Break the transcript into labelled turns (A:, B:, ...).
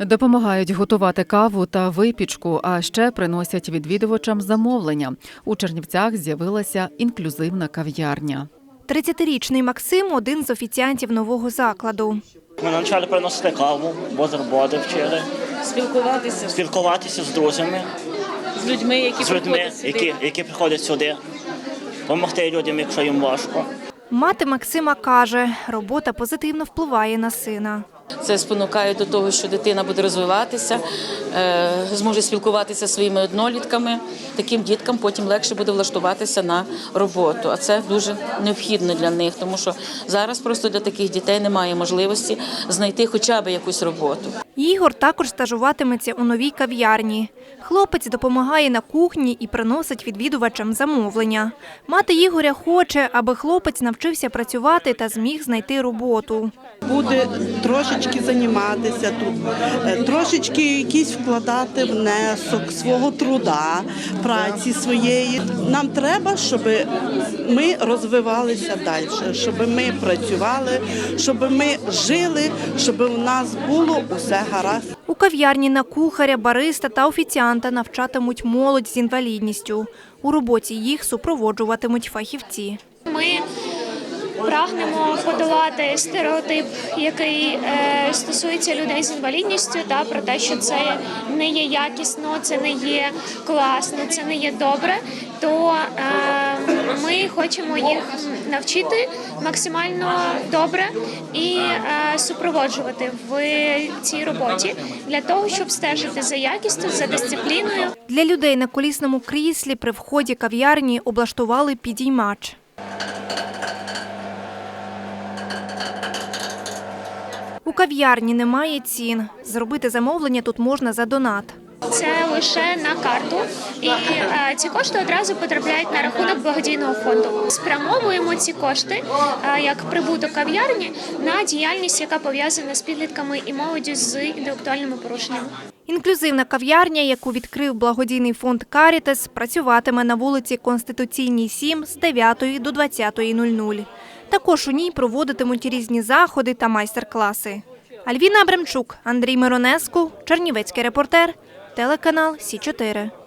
A: Допомагають готувати каву та випічку, а ще приносять відвідувачам замовлення. У Чернівцях з'явилася інклюзивна кав'ярня.
B: 30-річний Максим – один з офіціантів нового закладу.
C: Ми навчали приносити каву, бутерброди вчили. Спілкуватися з друзями.
D: З людьми,
C: які приходять сюди. Допомогти людям, якщо їм важко.
B: Мати Максима каже, робота позитивно впливає на сина.
D: Це спонукає до того, що дитина буде розвиватися, зможе спілкуватися зі своїми однолітками. Таким діткам потім легше буде влаштуватися на роботу. А це дуже необхідно для них, тому що зараз просто для таких дітей немає можливості знайти хоча б якусь роботу.
B: Ігор також стажуватиметься у новій кав'ярні. Хлопець допомагає на кухні і приносить відвідувачам замовлення. Мати Ігоря хоче, аби хлопець навчився працювати та зміг знайти роботу.
E: Буде трошечки займатися тут, трошечки якийсь вкладати внесок свого труда, праці своєї. Нам треба, щоб ми розвивалися далі, щоб ми працювали, щоб ми жили, щоб у нас було усе гаразд.
B: У кав'ярні на кухаря, бариста та офіціанта навчатимуть молодь з інвалідністю. У роботі їх супроводжуватимуть фахівці.
F: Ми прагнемо подолати стереотип, який стосується людей з інвалідністю, про те, що це не є якісно, це не є класно, це не є добре, то ми хочемо їх навчити максимально добре і супроводжувати в цій роботі для того, щоб стежити за якістю, за дисципліною.
B: Для людей на колісному кріслі при вході кав'ярні облаштували підіймач. У кав'ярні немає цін. Зробити замовлення тут можна за донат.
F: Це лише на карту, і ці кошти одразу потрапляють на рахунок благодійного фонду. Спрямовуємо ці кошти, як прибуток кав'ярні, на діяльність, яка пов'язана з підлітками і молоддю з інтелектуальними порушеннями.
B: Інклюзивна кав'ярня, яку відкрив благодійний фонд «Карітас», працюватиме на вулиці Конституційній, 7 з 9 до 20:00. Також у ній проводитимуть різні заходи та майстер-класи. Альвіна Абрамчук, Андрій Миронеску, Чернівецький репортер, телеканал Сі 4.